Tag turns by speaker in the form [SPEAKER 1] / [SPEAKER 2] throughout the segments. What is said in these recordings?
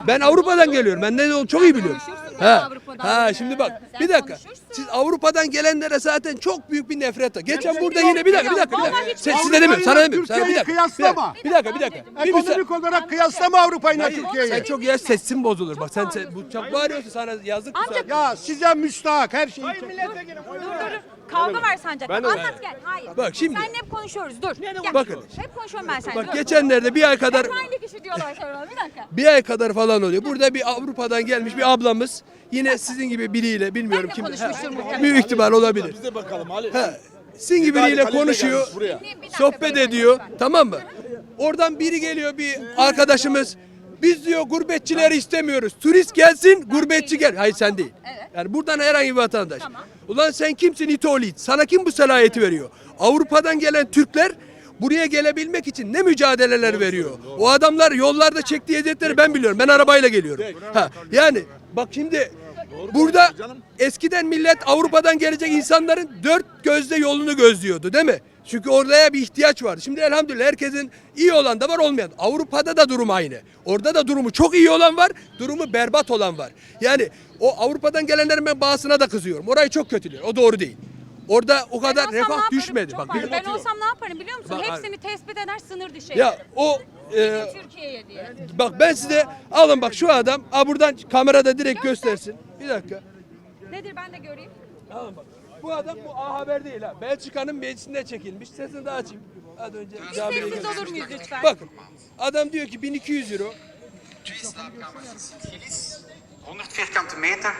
[SPEAKER 1] Ben Avrupa'dan geliyorum. Ben ne olduğunu çok iyi biliyorum. Şimdi bak. Bir dakika. Siz Avrupa'dan gelenlere zaten çok büyük bir nefret var. Geçen burada yine bir dakika. Size demiyorum. Sana demiyorum. Sana bir dakika.
[SPEAKER 2] Kıyaslama.
[SPEAKER 1] Bir dakika.
[SPEAKER 2] Ekonomik olarak kıyaslama Avrupa'yla Türkiye'yi.
[SPEAKER 1] Sen çok yaş sesin bozulur. Bak sen bu çok bağırıyorsun, sana yazık.
[SPEAKER 2] Ya size müstahak her şeyi.
[SPEAKER 3] Dur. Kavga var sancak. Anlat gel. Hayır.
[SPEAKER 1] Bak şimdi.
[SPEAKER 3] Seninle hep konuşuyoruz. Dur. Gel.
[SPEAKER 1] Bakın.
[SPEAKER 3] Hep konuşuyorum ben seninle.
[SPEAKER 1] Bak
[SPEAKER 3] Dur.
[SPEAKER 1] geçenlerde bir ay kadar
[SPEAKER 3] Hep aynı kişi diyorlar sonra. Bir dakika.
[SPEAKER 1] bir ay kadar falan oluyor. Burada bir Avrupa'dan gelmiş bir ablamız yine sizin gibi biriyle bilmiyorum
[SPEAKER 3] Ben de
[SPEAKER 1] kim.
[SPEAKER 3] konuşmuştur muhtemelen.
[SPEAKER 1] Büyük ihtimal olabilir.
[SPEAKER 4] Biz de bakalım Ali.
[SPEAKER 1] Sizin gibi biriyle konuşuyor.
[SPEAKER 3] Bir dakika,
[SPEAKER 1] Sohbet
[SPEAKER 3] beyefendi,
[SPEAKER 1] ediyor.
[SPEAKER 3] lütfen.
[SPEAKER 1] Tamam mı? Oradan biri geliyor, bir arkadaşımız. Biz diyor gurbetçileri istemiyoruz. Turist gelsin, gurbetçi gel. Hayır sen değil.
[SPEAKER 3] Evet.
[SPEAKER 1] Yani buradan herhangi bir vatandaş.
[SPEAKER 3] Tamam.
[SPEAKER 1] Ulan sen kimsin İtoğlu? Sana kim bu salayeti veriyor? Avrupa'dan gelen Türkler buraya gelebilmek için ne mücadeleler veriyor? O adamlar yollarda çektiği eziyetleri ben biliyorum. Ben arabayla geliyorum. Yani bak şimdi burada eskiden millet Avrupa'dan gelecek insanların dört gözle yolunu gözlüyordu, değil mi? Çünkü oraya bir ihtiyaç vardı. Şimdi elhamdülillah herkesin iyi olan da var, olmayan. Avrupa'da da durum aynı. Orada da durumu çok iyi olan var, durumu berbat olan var. Yani o Avrupa'dan gelenlerin ben bazısına da kızıyorum. Orayı çok kötülüyor. O doğru değil. Orada o kadar
[SPEAKER 3] Ben olsam ne
[SPEAKER 1] refah
[SPEAKER 3] yaparım?
[SPEAKER 1] düşmedi.
[SPEAKER 3] Çok
[SPEAKER 1] Bak,
[SPEAKER 3] pardon. Ben olsam ne yaparım biliyor musun?
[SPEAKER 1] Bak,
[SPEAKER 3] Hepsini tespit eder, sınır dışı
[SPEAKER 1] ya
[SPEAKER 3] ederim.
[SPEAKER 1] o
[SPEAKER 3] Türkiye'ye diye.
[SPEAKER 1] bak ben size alın bak şu adam buradan kamerada direkt göstersin. Bir dakika.
[SPEAKER 3] Nedir ben de göreyim.
[SPEAKER 1] Alın bak. Bu adam bu A Haber değil ha. Belçika'nın meclisinde çekilmiş. Sesini de açayım. Hadi önce
[SPEAKER 3] Bir
[SPEAKER 1] Cabir'e
[SPEAKER 3] sessiz
[SPEAKER 1] gidelim.
[SPEAKER 3] olur muyuz lütfen?
[SPEAKER 1] Bakın. Adam diyor ki 1200 euro.
[SPEAKER 5] 100 vierkante meter,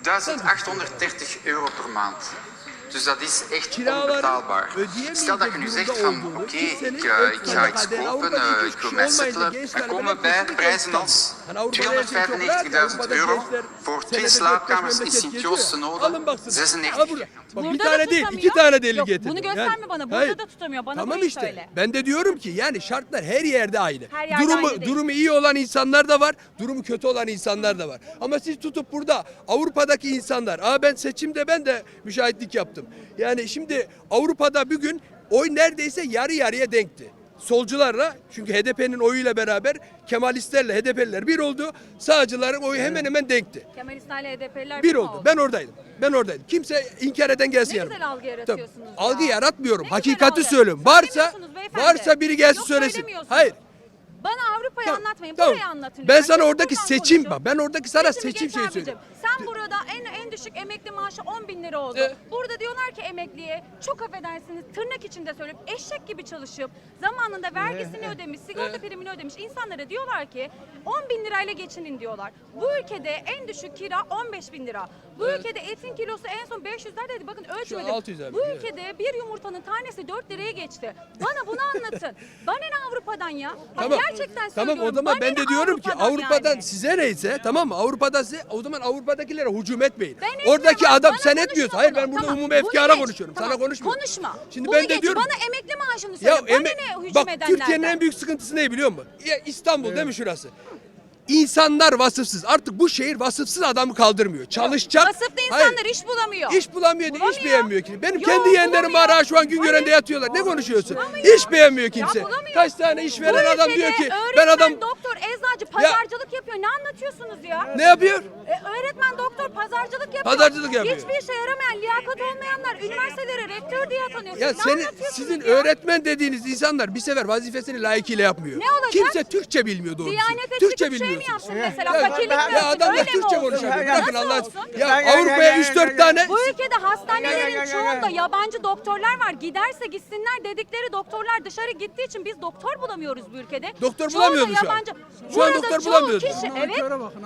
[SPEAKER 5] 1830 euro per maand. Dus dat is echt
[SPEAKER 1] Kiraları
[SPEAKER 5] onbetaalbaar.
[SPEAKER 1] ödeyemeyecek
[SPEAKER 5] Stel dat je nu zegt
[SPEAKER 1] durumda
[SPEAKER 5] van
[SPEAKER 1] olduğunu,
[SPEAKER 5] oké,
[SPEAKER 1] kimsenin
[SPEAKER 5] ik ga
[SPEAKER 1] ödemeye
[SPEAKER 5] iets
[SPEAKER 1] kadar
[SPEAKER 5] kopen,
[SPEAKER 1] Avrupa'da
[SPEAKER 5] ik
[SPEAKER 1] hiç
[SPEAKER 5] wil
[SPEAKER 1] kişi
[SPEAKER 5] mij
[SPEAKER 1] olmayınca
[SPEAKER 5] settelen.
[SPEAKER 1] gençler
[SPEAKER 5] Dan
[SPEAKER 1] bile
[SPEAKER 5] komen bij
[SPEAKER 1] kesinlikle
[SPEAKER 5] prijzen
[SPEAKER 1] İstanbul.
[SPEAKER 5] als
[SPEAKER 1] Hani Avrupa'da her şey çok rahat,
[SPEAKER 5] 295.000
[SPEAKER 1] Avrupa'da
[SPEAKER 5] euro
[SPEAKER 1] gençler
[SPEAKER 5] voor
[SPEAKER 1] senede
[SPEAKER 5] 2
[SPEAKER 1] 4-5
[SPEAKER 5] slaapkamers in
[SPEAKER 1] memleket
[SPEAKER 5] Sint-Joost te
[SPEAKER 1] geziyor.
[SPEAKER 5] Noorden,
[SPEAKER 1] Alın baksın.
[SPEAKER 5] 96
[SPEAKER 1] Al burada. Bak bir
[SPEAKER 3] Burada
[SPEAKER 1] tane
[SPEAKER 3] da
[SPEAKER 1] değil,
[SPEAKER 3] tutamıyor.
[SPEAKER 1] iki tane delil
[SPEAKER 3] Yok,
[SPEAKER 1] getirdim.
[SPEAKER 3] bunu gösterme bana, burada
[SPEAKER 1] hayır.
[SPEAKER 3] da tutamıyor. Bana
[SPEAKER 1] Tamam
[SPEAKER 3] burayı
[SPEAKER 1] işte.
[SPEAKER 3] söyle.
[SPEAKER 1] Ben de diyorum ki yani şartlar her yerde aynı.
[SPEAKER 3] Her yerde aynı değil.
[SPEAKER 1] Durumu iyi olan insanlar da var, durumu kötü olan insanlar da var. Ama siz tutup burada Avrupa'daki insanlar, ben seçimde ben de müşahitlik yaptım. Yani şimdi Avrupa'da bugün oy neredeyse yarı yarıya denkti. Solcularla, çünkü HDP'nin oyuyla beraber Kemalistlerle HDP'liler bir oldu. Sağcıların oyu hemen hemen denkti.
[SPEAKER 3] Kemalistlerle HDP'liler
[SPEAKER 1] Bir oldu. Ben oradaydım. Kimse inkar eden gelsin
[SPEAKER 3] Ne
[SPEAKER 1] yanıma.
[SPEAKER 3] güzel algı yaratıyorsunuz
[SPEAKER 1] Tabii.
[SPEAKER 3] ya.
[SPEAKER 1] Algı yaratmıyorum.
[SPEAKER 3] Ne
[SPEAKER 1] Hakikati
[SPEAKER 3] güzel algı.
[SPEAKER 1] söylüyorum.
[SPEAKER 3] Söylemiyorsunuz beyefendi.
[SPEAKER 1] Varsa biri gelsin
[SPEAKER 3] Yok,
[SPEAKER 1] söylesin.
[SPEAKER 3] söylemiyorsunuz.
[SPEAKER 1] Hayır.
[SPEAKER 3] Bana Avrupa'yı
[SPEAKER 1] Tamam,
[SPEAKER 3] anlatmayın.
[SPEAKER 1] tamam.
[SPEAKER 3] Burayı anlatın.
[SPEAKER 1] Ben
[SPEAKER 3] lütfen.
[SPEAKER 1] sana
[SPEAKER 3] Gelin
[SPEAKER 1] oradaki
[SPEAKER 3] buradan
[SPEAKER 1] seçim
[SPEAKER 3] konuşun.
[SPEAKER 1] ben oradaki sana
[SPEAKER 3] Seçimi
[SPEAKER 1] seçim
[SPEAKER 3] geç
[SPEAKER 1] şeyi
[SPEAKER 3] abicim.
[SPEAKER 1] söylüyorum.
[SPEAKER 3] Sen burada en düşük emekli maaşı 10 bin lira oldu. Burada diyorlar ki emekliye çok affedersiniz tırnak içinde söyleyip eşek gibi çalışıp zamanında vergisini ödemiş, sigorta primini ödemiş insanlara diyorlar ki 10 bin lirayla geçinin diyorlar. Bu ülkede en düşük kira 15 bin lira. Bu ülkede etin kilosu en son 500'lerdeydi. Bakın ölçmedim.
[SPEAKER 1] 600 abi,
[SPEAKER 3] Bu
[SPEAKER 1] evet.
[SPEAKER 3] ülkede bir yumurtanın tanesi 4 liraya geçti. Bana bunu anlatın. Bana ne Avrupa'dan ya? Bak
[SPEAKER 1] Tamam.
[SPEAKER 3] gerçekten
[SPEAKER 1] Tamam
[SPEAKER 3] söylüyorum.
[SPEAKER 1] o zaman
[SPEAKER 3] Bana
[SPEAKER 1] ben
[SPEAKER 3] ne
[SPEAKER 1] de diyorum ki Avrupa'dan
[SPEAKER 3] yani?
[SPEAKER 1] size neyse, tamam mı? Avrupa'da size, o zaman Avrupa'dakilere hücum etmeyin.
[SPEAKER 3] Ben etmiyorum
[SPEAKER 1] Oradaki
[SPEAKER 3] abi,
[SPEAKER 1] adam
[SPEAKER 3] bana
[SPEAKER 1] sen
[SPEAKER 3] konuşma
[SPEAKER 1] etmiyorsun. Hayır
[SPEAKER 3] bunu.
[SPEAKER 1] ben burada
[SPEAKER 3] Tamam,
[SPEAKER 1] umumi
[SPEAKER 3] bunu
[SPEAKER 1] efkara
[SPEAKER 3] geç.
[SPEAKER 1] konuşuyorum.
[SPEAKER 3] Tamam,
[SPEAKER 1] Sana konuşmuyorum.
[SPEAKER 3] Konuşma.
[SPEAKER 1] Şimdi
[SPEAKER 3] Bunu
[SPEAKER 1] ben de
[SPEAKER 3] geç.
[SPEAKER 1] diyorum.
[SPEAKER 3] Bana emekli maaşını söyle. Bana ne hücum
[SPEAKER 1] bak
[SPEAKER 3] edenlerden?
[SPEAKER 1] Türkiye'nin en büyük sıkıntısı ne biliyor musun? Ya İstanbul değil mi şurası? İnsanlar vasıfsız. Artık bu şehir vasıfsız adamı kaldırmıyor. Çalışacak.
[SPEAKER 3] Vasıflı insanlar iş bulamıyor.
[SPEAKER 1] İş bulamıyor diye iş
[SPEAKER 3] Bulamıyor.
[SPEAKER 1] beğenmiyor ki. Benim
[SPEAKER 3] Yo,
[SPEAKER 1] kendi yeğenlerim var
[SPEAKER 3] bulamıyor.
[SPEAKER 1] ha şu an Güngören'de
[SPEAKER 3] Hayır.
[SPEAKER 1] yatıyorlar. Ne konuşuyorsun?
[SPEAKER 3] Bulamıyor.
[SPEAKER 1] İş beğenmiyor kimse.
[SPEAKER 3] Ya bulamıyor.
[SPEAKER 1] Kaç tane
[SPEAKER 3] Bu
[SPEAKER 1] işveren adam diyor
[SPEAKER 3] ülkede
[SPEAKER 1] ki ben adam
[SPEAKER 3] doktor, eczacı pazarcılık yapıyor. Ne anlatıyorsunuz ya?
[SPEAKER 1] ne yapıyor?
[SPEAKER 3] Öğretmen, doktor pazarcılık yapıyor.
[SPEAKER 1] Pazarcılık yapıyor.
[SPEAKER 3] Hiçbir işe yaramayan, liyakat olmayanlar üniversitelere rektör diye atanıyor.
[SPEAKER 1] Ya
[SPEAKER 3] Siz ne
[SPEAKER 1] senin
[SPEAKER 3] anlatıyorsunuz
[SPEAKER 1] sizin
[SPEAKER 3] ya?
[SPEAKER 1] öğretmen dediğiniz insanlar bir sefer vazifesini layıkıyla yapmıyor.
[SPEAKER 3] Ne olacak?
[SPEAKER 1] Kimse Türkçe bilmiyor doğrusu.
[SPEAKER 3] Diyanete
[SPEAKER 1] Türkçe
[SPEAKER 3] çıkıp şey mi
[SPEAKER 1] bilmiyorsun.
[SPEAKER 3] yapsın mesela?
[SPEAKER 1] Ya,
[SPEAKER 3] Fakirlik mi
[SPEAKER 1] ya
[SPEAKER 3] yapsın?
[SPEAKER 1] adamlar
[SPEAKER 3] Öyle mi
[SPEAKER 1] Türkçe
[SPEAKER 3] olsun?
[SPEAKER 1] konuşuyor.
[SPEAKER 3] Nasıl
[SPEAKER 1] Bırakın Allah
[SPEAKER 3] olsun?
[SPEAKER 1] aşkına. Ya Avrupa'ya 3-4 tane
[SPEAKER 3] Bu ülkede hastanelerin çoğunda yabancı doktorlar var. Giderse gitsinler dedikleri doktorlar dışarı gittiği için biz doktor bulamıyoruz bu ülkede.
[SPEAKER 1] Doktor
[SPEAKER 3] Çoğu da
[SPEAKER 1] bulamıyoruz şu an.
[SPEAKER 3] yabancı.
[SPEAKER 1] Şu an
[SPEAKER 3] Burada
[SPEAKER 1] doktor
[SPEAKER 3] çoğu
[SPEAKER 1] bulamıyoruz.
[SPEAKER 3] Kişi, evet.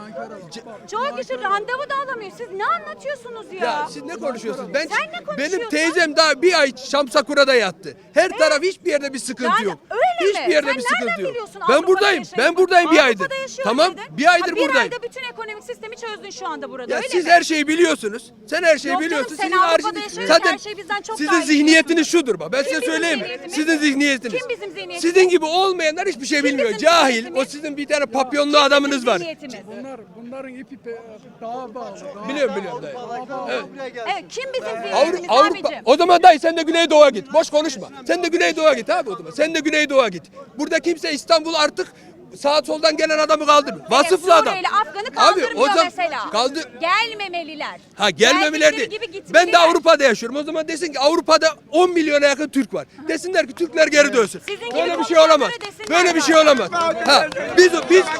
[SPEAKER 3] Çoğu kişi randevu da alamıyor. Siz ne anlatıyorsunuz ya?
[SPEAKER 1] ya siz ne konuşuyorsunuz?
[SPEAKER 3] Sen ne konuşuyorsun?
[SPEAKER 1] Benim teyzem daha bir ay Şamsakura'da yattı. Her taraf hiçbir yerde bir sıkıntı
[SPEAKER 3] Yani
[SPEAKER 1] yok.
[SPEAKER 3] öyle mi?
[SPEAKER 1] Hiçbir yerde
[SPEAKER 3] Sen
[SPEAKER 1] bir
[SPEAKER 3] nereden
[SPEAKER 1] sıkıntı yok.
[SPEAKER 3] biliyorsun
[SPEAKER 1] Ben
[SPEAKER 3] Avrupa'da
[SPEAKER 1] buradayım.
[SPEAKER 3] yaşayıp?
[SPEAKER 1] Ben buradayım bir aydır.
[SPEAKER 3] Avrupa'da yaşıyor
[SPEAKER 1] Tamam.
[SPEAKER 3] dedin.
[SPEAKER 1] Bir aydır
[SPEAKER 3] Ha,
[SPEAKER 1] buradayım.
[SPEAKER 3] Bir ayda bütün ekonomik sistemi çözdün şu anda burada.
[SPEAKER 1] Ya
[SPEAKER 3] öyle
[SPEAKER 1] siz
[SPEAKER 3] mi?
[SPEAKER 1] her şeyi biliyorsunuz. Sen her şeyi
[SPEAKER 3] Yok canım,
[SPEAKER 1] biliyorsun.
[SPEAKER 3] sen
[SPEAKER 1] Sizin
[SPEAKER 3] Avrupa'da
[SPEAKER 1] haricinde
[SPEAKER 3] yaşıyorsun,
[SPEAKER 1] zaten
[SPEAKER 3] her şey bizden çok
[SPEAKER 1] sizin
[SPEAKER 3] daha iyi
[SPEAKER 1] zihniyetiniz şudur bak. Ben
[SPEAKER 3] Kim
[SPEAKER 1] size
[SPEAKER 3] bizim
[SPEAKER 1] söyleyeyim mi?
[SPEAKER 3] zihniyetimiz?
[SPEAKER 1] Sizin zihniyetiniz.
[SPEAKER 3] Kim bizim zihniyetimiz?
[SPEAKER 1] Sizin gibi olmayanlar hiçbir şey bilmiyor.
[SPEAKER 3] bizim
[SPEAKER 1] Cahil.
[SPEAKER 3] zihniyetimiz?
[SPEAKER 1] O sizin bir tane papyonlu adamınız var.
[SPEAKER 3] Zihniyetimiz.
[SPEAKER 6] Bunların ipi daha bağlı.
[SPEAKER 1] Biliyorum dayı. Evet.
[SPEAKER 3] Evet, kim bizim
[SPEAKER 1] Avrupa,
[SPEAKER 3] zihniyetimiz abicim?
[SPEAKER 1] o zaman dayı sen de Güneydoğu'ya git. Boş konuşma. Sen de Güneydoğu'ya git abi o zaman. Sen de Güneydoğu'ya git. Burada kimse İstanbul artık sağ soldan gelen adamı kaldırmıyor. Vasıflı adam.
[SPEAKER 3] Suriyeli Afgan'ı kaldırmıyor
[SPEAKER 1] zaman
[SPEAKER 3] mesela.
[SPEAKER 1] Ha
[SPEAKER 3] Gelmemeliler.
[SPEAKER 1] gelmemeler
[SPEAKER 3] Geldikleri
[SPEAKER 1] değil.
[SPEAKER 3] gibi
[SPEAKER 1] Ben de
[SPEAKER 3] gitmeliler.
[SPEAKER 1] Avrupa'da yaşıyorum. O zaman desin ki Avrupa'da 10 milyona yakın Türk var. Desinler ki Türkler geri dönsün.
[SPEAKER 3] Sizin gibi
[SPEAKER 1] Böyle bir şey
[SPEAKER 3] konuşanlara
[SPEAKER 1] olamaz.
[SPEAKER 3] desinler
[SPEAKER 1] Böyle bir şey
[SPEAKER 3] zaten.
[SPEAKER 1] olamaz. Ha biz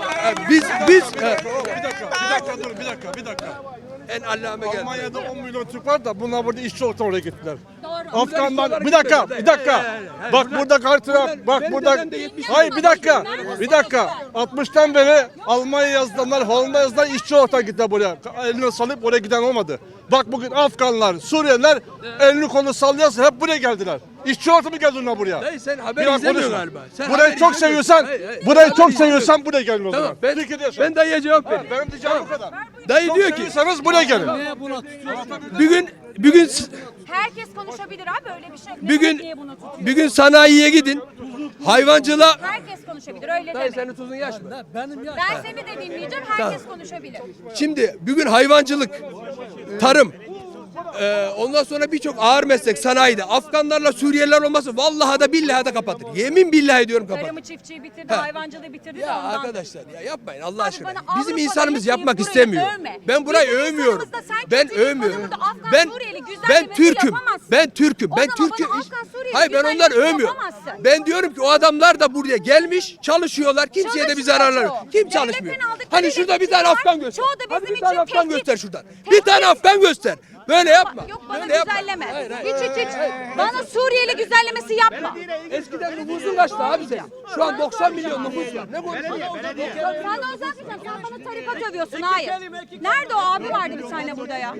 [SPEAKER 4] Bir dakika.
[SPEAKER 1] en allame geldi.
[SPEAKER 4] Almanya'da 10 milyon Türk var da bunlar burada işçi olarak oraya gittiler.
[SPEAKER 3] Doğru.
[SPEAKER 4] Afganlar bir dakika. Bak burada kartına bak
[SPEAKER 1] benim
[SPEAKER 4] burada.
[SPEAKER 1] dedem de 70
[SPEAKER 4] Hayır bir dakika. 60'tan beri Almanya yazılanlar, Hollanda yazılanlar işçi olarak gittiler buraya. Elini salıp oraya giden olmadı. Bak bugün Afganlar, Suriyeliler elini kolunu sallıyorsa hep buraya geldiler. İşçi olarak mı geldiler buraya?
[SPEAKER 1] Dayı sen haber
[SPEAKER 4] Biraz
[SPEAKER 1] izlemiyorsun
[SPEAKER 4] konuşma.
[SPEAKER 1] galiba. Sen
[SPEAKER 4] Burayı
[SPEAKER 1] haber
[SPEAKER 4] çok
[SPEAKER 1] izlemiyorsun.
[SPEAKER 4] seviyorsan,
[SPEAKER 1] Hayır,
[SPEAKER 4] burayı
[SPEAKER 1] haber
[SPEAKER 4] çok
[SPEAKER 1] izlemiyorsun.
[SPEAKER 4] seviyorsan buraya gelin o
[SPEAKER 1] Tamam
[SPEAKER 4] zaman.
[SPEAKER 1] ben,
[SPEAKER 4] Türkiye'de yaşa.
[SPEAKER 1] ben dayıya cevap vereyim.
[SPEAKER 4] Benim diyeceğim bu kadar.
[SPEAKER 1] Dayı
[SPEAKER 4] Çok
[SPEAKER 1] diyor ki
[SPEAKER 4] seviyorsanız buraya gelin.
[SPEAKER 1] bugün
[SPEAKER 3] Herkes konuşabilir abi öyle bir şey yok. Ne demek niye bunu tutuyor?
[SPEAKER 1] bugün sanayiye gidin. Hayvancılığa
[SPEAKER 3] Herkes konuşabilir öyle
[SPEAKER 1] Dayı
[SPEAKER 3] deme.
[SPEAKER 1] senin tuzun yaş mı?
[SPEAKER 3] Ben seni de dinleyeceğim herkes konuşabilir.
[SPEAKER 1] Şimdi bugün hayvancılık, tarım, ondan sonra birçok ağır meslek sanayide Afganlarla Suriyeliler olması vallahi da billahi da kapatır. Yemin billahi diyorum kapatır.
[SPEAKER 3] Tarımı çiftçiyi bitirdi,
[SPEAKER 1] Ha.
[SPEAKER 3] hayvancılığı bitirdi de
[SPEAKER 1] Ya
[SPEAKER 3] ondan.
[SPEAKER 1] arkadaşlar ya yapmayın Allah
[SPEAKER 3] Abi
[SPEAKER 1] aşkına.
[SPEAKER 3] bana
[SPEAKER 1] Bizim
[SPEAKER 3] Avrupa'da
[SPEAKER 1] insanımız
[SPEAKER 3] yaşayıp
[SPEAKER 1] yapmak
[SPEAKER 3] burayı
[SPEAKER 1] istemiyor.
[SPEAKER 3] övme.
[SPEAKER 1] Ben burayı
[SPEAKER 3] Bizim
[SPEAKER 1] övmüyorum.
[SPEAKER 3] insanımızda sen
[SPEAKER 1] Ben
[SPEAKER 3] kötü bir
[SPEAKER 1] övmüyorum.
[SPEAKER 3] insanı burada Afgan,
[SPEAKER 1] Ben
[SPEAKER 3] Suriyeli
[SPEAKER 1] ben
[SPEAKER 3] güzellemesi
[SPEAKER 1] Türk'üm.
[SPEAKER 3] yapamazsın.
[SPEAKER 1] Ben Türk'üm.
[SPEAKER 3] O
[SPEAKER 1] Ben
[SPEAKER 3] zaman
[SPEAKER 1] Türk'üm.
[SPEAKER 3] bana Afgan, Suriyeli
[SPEAKER 1] Hayır ben onları
[SPEAKER 3] güzellemesi
[SPEAKER 1] övmüyorum.
[SPEAKER 3] yapamazsın.
[SPEAKER 1] Ben diyorum ki o adamlar da buraya gelmiş, çalışıyorlar. Kimseye de bir zararları yok. Kim
[SPEAKER 3] Devletten
[SPEAKER 1] çalışmıyor?
[SPEAKER 3] aldıkları
[SPEAKER 1] Hani şurada bir tane
[SPEAKER 3] geçiniyorlar.
[SPEAKER 1] Afgan göster.
[SPEAKER 3] Çoğu da
[SPEAKER 1] Hadi
[SPEAKER 3] bizim
[SPEAKER 1] bir tane
[SPEAKER 3] için
[SPEAKER 1] Afgan
[SPEAKER 3] tehdit.
[SPEAKER 1] göster şuradan. Bir
[SPEAKER 3] Tehdit.
[SPEAKER 1] tane Afgan göster. Böyle yapma.
[SPEAKER 3] Yok bana
[SPEAKER 1] Böyle yapma.
[SPEAKER 3] güzelleme.
[SPEAKER 1] Hayır, hayır.
[SPEAKER 3] Hiç. Bana Suriyeli güzellemesi yapma.
[SPEAKER 1] Eskiden nüfusun kaçtı abi senin? Şu an 90 milyon nüfus var. Ne konuşuyorsun?
[SPEAKER 3] Sen de uzatmayacaksın. Sen bana tarikat övüyorsun. Hayır. Nerede o abi vardı bir tane burada ya?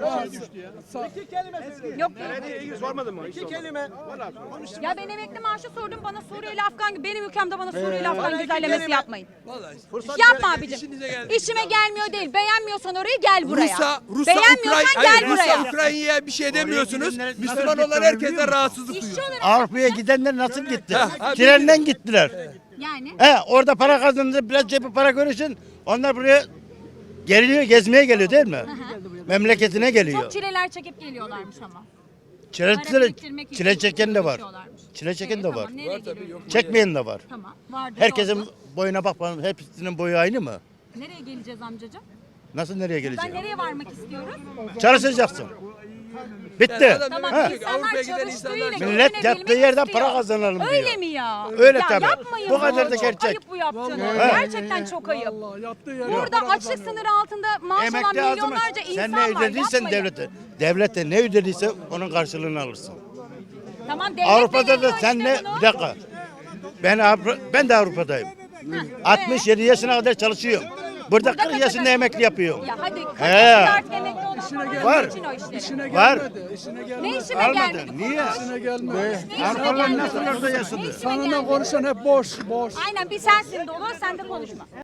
[SPEAKER 3] Yok değil.
[SPEAKER 2] Sormadın mı? İki kelime.
[SPEAKER 3] Ya ben emekli maaşı sordum bana Suriyeli Afgan benim ülkemde bana Suriyeli Afgan güzellemesi yapmayın.
[SPEAKER 1] Vallahi.
[SPEAKER 3] Yapma abicim.
[SPEAKER 1] İşinize geldi.
[SPEAKER 3] İşime gelmiyor değil. Beğenmiyorsan orayı gel buraya.
[SPEAKER 1] Rusya,
[SPEAKER 3] Beğenmiyorsan gel buraya.
[SPEAKER 1] Rusya, Ukrayna'ya bir şey demiyorsunuz. Müslüman olan herkese rahatsızlık
[SPEAKER 3] İşçi
[SPEAKER 1] duyuyor.
[SPEAKER 3] olarak
[SPEAKER 7] Avrupa'ya gidenler nasıl gitti?
[SPEAKER 1] ha,
[SPEAKER 7] Trenden gittiler.
[SPEAKER 3] yani
[SPEAKER 7] Orada para kazandı, biraz cebi para görürsün. Onlar buraya geliyor, gezmeye geliyor değil mi? Memleketine geliyor.
[SPEAKER 3] çok çileler çekip geliyorlarmış ama.
[SPEAKER 7] Çile,
[SPEAKER 3] Para biriktirmek için
[SPEAKER 7] çile çeken de var.
[SPEAKER 3] uğraşıyorlarmış.
[SPEAKER 7] Çile çeken de var.
[SPEAKER 3] Tamam, nereye gidiyoruz?
[SPEAKER 7] Çekmeyen de var.
[SPEAKER 3] Tamam. Vardır,
[SPEAKER 7] Herkesin
[SPEAKER 3] oldu.
[SPEAKER 7] boyuna bak bakalım, hepsinin boyu aynı mı?
[SPEAKER 3] Nereye geleceğiz amcacığım?
[SPEAKER 7] Nasıl nereye
[SPEAKER 3] Ben
[SPEAKER 7] gelecek?
[SPEAKER 3] nereye varmak istiyoruz?
[SPEAKER 7] Çalışacaksın. Bitti.
[SPEAKER 1] Yani adam
[SPEAKER 3] Tamam
[SPEAKER 1] diyor ki
[SPEAKER 3] insanlar
[SPEAKER 1] Avrupa'ya giden
[SPEAKER 3] çalıştığıyla
[SPEAKER 1] insanlar
[SPEAKER 7] Millet
[SPEAKER 3] geçinebilmek
[SPEAKER 7] yattığı yerden
[SPEAKER 3] istiyor.
[SPEAKER 7] para kazanalım diyor.
[SPEAKER 3] Öyle mi ya?
[SPEAKER 7] Öyle
[SPEAKER 3] ya
[SPEAKER 7] tabii.
[SPEAKER 3] Yapmayın
[SPEAKER 7] Bu kadar
[SPEAKER 3] bunu.
[SPEAKER 7] da
[SPEAKER 3] Çok
[SPEAKER 7] gerçek.
[SPEAKER 3] ayıp bu yaptığınız.
[SPEAKER 7] Vallahi.
[SPEAKER 3] Gerçekten çok ayıp.
[SPEAKER 6] Allah yattığı yere
[SPEAKER 3] Burada
[SPEAKER 6] para
[SPEAKER 3] açlık
[SPEAKER 6] kazanıyor.
[SPEAKER 3] sınırı altında maaş alan
[SPEAKER 7] Emekli ağzıma
[SPEAKER 3] milyonlarca insan
[SPEAKER 7] sen
[SPEAKER 3] var.
[SPEAKER 7] ne ödediysen
[SPEAKER 3] Yapmayın.
[SPEAKER 7] devlete. Devlete ne ödediyse onun karşılığını alırsın.
[SPEAKER 3] Tamam devlet
[SPEAKER 7] Avrupa'da da
[SPEAKER 3] belirliyor
[SPEAKER 7] sen
[SPEAKER 3] işte
[SPEAKER 7] ne?
[SPEAKER 3] bunu.
[SPEAKER 7] Bir dakika. Ben de Avrupa'dayım. 67 yaşına kadar çalışıyorum. Burada 40 yaşında emekli yapıyorum.
[SPEAKER 3] Ya hadi 40
[SPEAKER 7] He.
[SPEAKER 3] yaşında artık emekli olan
[SPEAKER 7] Var.
[SPEAKER 3] için o işleri.
[SPEAKER 6] İşine
[SPEAKER 7] Var.
[SPEAKER 6] gelmedi. İşine gelmedi.
[SPEAKER 3] Ne işime
[SPEAKER 7] Almadı.
[SPEAKER 3] gelmedi?
[SPEAKER 7] Niye?
[SPEAKER 6] İşine gelmedi.
[SPEAKER 3] Ne işime
[SPEAKER 7] Avrupalılar
[SPEAKER 3] gelmedi?
[SPEAKER 7] nasıl orada yaşadı?
[SPEAKER 3] Ne işime
[SPEAKER 6] Seninle
[SPEAKER 3] gelmedi?
[SPEAKER 6] konuşan hep boş.
[SPEAKER 3] Aynen bir sensin dolu sen de konuşma.